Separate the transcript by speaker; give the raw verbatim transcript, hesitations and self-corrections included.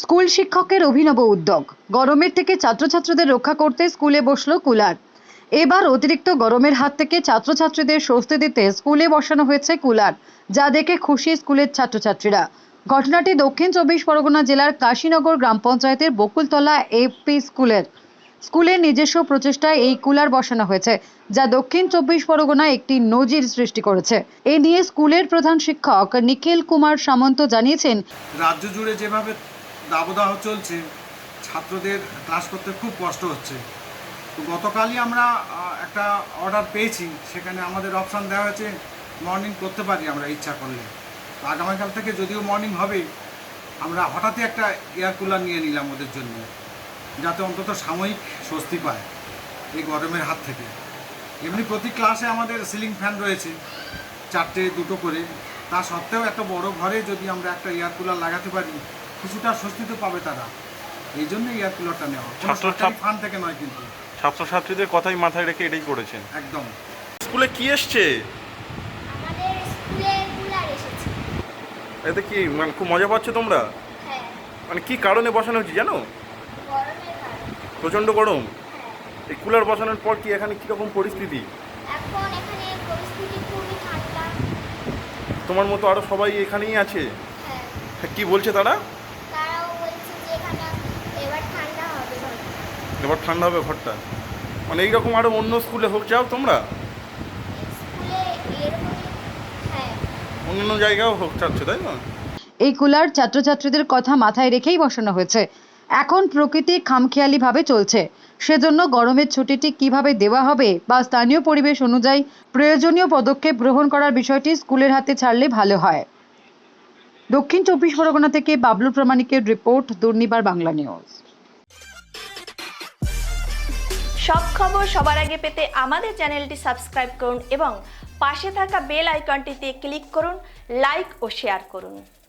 Speaker 1: School শিক্ষকের অভিনব উদ্যোগ। গরমের থেকে ছাত্রছাত্রীদের রক্ষা করতে স্কুলে বসলো কুলার। এবার অতিরিক্ত গরমের হাত থেকে ছাত্রছাত্রীদের স্বস্তি দিতে স্কুলে বসানো হয়েছে কুলার, যা দেখে খুশি স্কুলের ছাত্রছাত্রীরা। ঘটনাটি দক্ষিণ চব্বিশ পরগনা জেলার কাশীনগর গ্রাম পঞ্চায়েতের বকুলতলা এপি স্কুলের। স্কুলের নিজস্ব প্রচেষ্টায় এই কুলার বসানো হয়েছে, যা দক্ষিণ চব্বিশ পরগনায় একটি নজির সৃষ্টি করেছে। এ নিয়ে স্কুলের প্রধান শিক্ষক নিখিল কুমার সামন্ত জানিয়েছেন,
Speaker 2: রাজ্য জুড়ে যেভাবে দাবদাহ চলছে, ছাত্রদের ক্লাস করতে খুব কষ্ট হচ্ছে। তো গতকালই আমরা একটা অর্ডার পেয়েছি, সেখানে আমাদের অপশান দেওয়া হয়েছে মর্নিং করতে পারি আমরা ইচ্ছা করলে। তো আগামীকাল থেকে যদিও মর্নিং হবে, আমরা হঠাৎই একটা এয়ার কুলার নিয়ে নিলাম ওদের জন্য, যাতে অন্তত সাময়িক স্বস্তি পায় এই গরমের হাত থেকে। এমনি প্রতি ক্লাসে আমাদের সিলিং ফ্যান রয়েছে, চারটে দুটো করে। তা সত্ত্বেও এত বড় ঘরে যদি আমরা একটা এয়ার কুলার লাগাতে পারি, কিছুটা স্বস্তি তো পাবে তারা। এই জন্য এয়ার কুলারটা নেওয়া, সরকারি ফান্ড থেকে নয়, কিন্তু
Speaker 3: ছাত্রছাত্রীদের কথাই মাথায় রেখে এটাই করেছেন।
Speaker 2: একদম।
Speaker 3: স্কুলে কি এসছে?
Speaker 4: আমাদের স্কুলে কুলার এসেছে।
Speaker 3: এতে কি মানে খুব মজা পাচ্ছ তোমরা?
Speaker 4: হ্যাঁ,
Speaker 3: মানে কি কারণে বসানো হচ্ছে জানো?
Speaker 4: গরমের কারণে।
Speaker 3: প্রচণ্ড গরম।
Speaker 4: হ্যাঁ,
Speaker 3: এই কুলার বসানোর পর কি এখানে কীরকম পরিস্থিতি?
Speaker 4: এখন এখানে পরিস্থিতি খুবই ঠান্ডা।
Speaker 3: তোমার মতো আরও সবাই এখানেই আছে?
Speaker 4: হ্যাঁ,
Speaker 3: হ্যাঁ, কি বলছে তারা?
Speaker 4: তারাও বলছে যে এখানে এবার ঠান্ডা হবে ঘরটা।
Speaker 3: এবার ঠান্ডা হবে ঘরটা। মানে এইরকম আরও অন্য স্কুলে হোক, যাও তোমরা
Speaker 4: স্কুলে এরকম, হ্যাঁ,
Speaker 3: অন্য জায়গাও হোক চাচ্ছ, তাই না?
Speaker 1: এই কুলার ছাত্রছাত্রীদের কথা মাথায় রেখেই বসানো হয়েছে। এখন প্রকৃতি খামখেয়ালিভাবে চলছে, সেজন্য গরমের ছুটিটি কিভাবে দেওয়া হবে বা স্থানীয় পরিবেশ অনুযায়ী প্রয়োজনীয় পদক্ষেপ গ্রহণ করার বিষয়টি স্কুলের হাতে ছাড়লে ভালো হয়। দক্ষিণ চব্বিশ পরগনা থেকে বাবলু প্রামাণিকের রিপোর্ট, দুর্নিবার বাংলা নিউজ।
Speaker 5: সব খবর সবার আগে পেতে আমাদের চ্যানেলটি সাবস্ক্রাইব করুন এবং পাশে থাকা বেল আইকনটিতে ক্লিক করুন। লাইক ও শেয়ার করুন।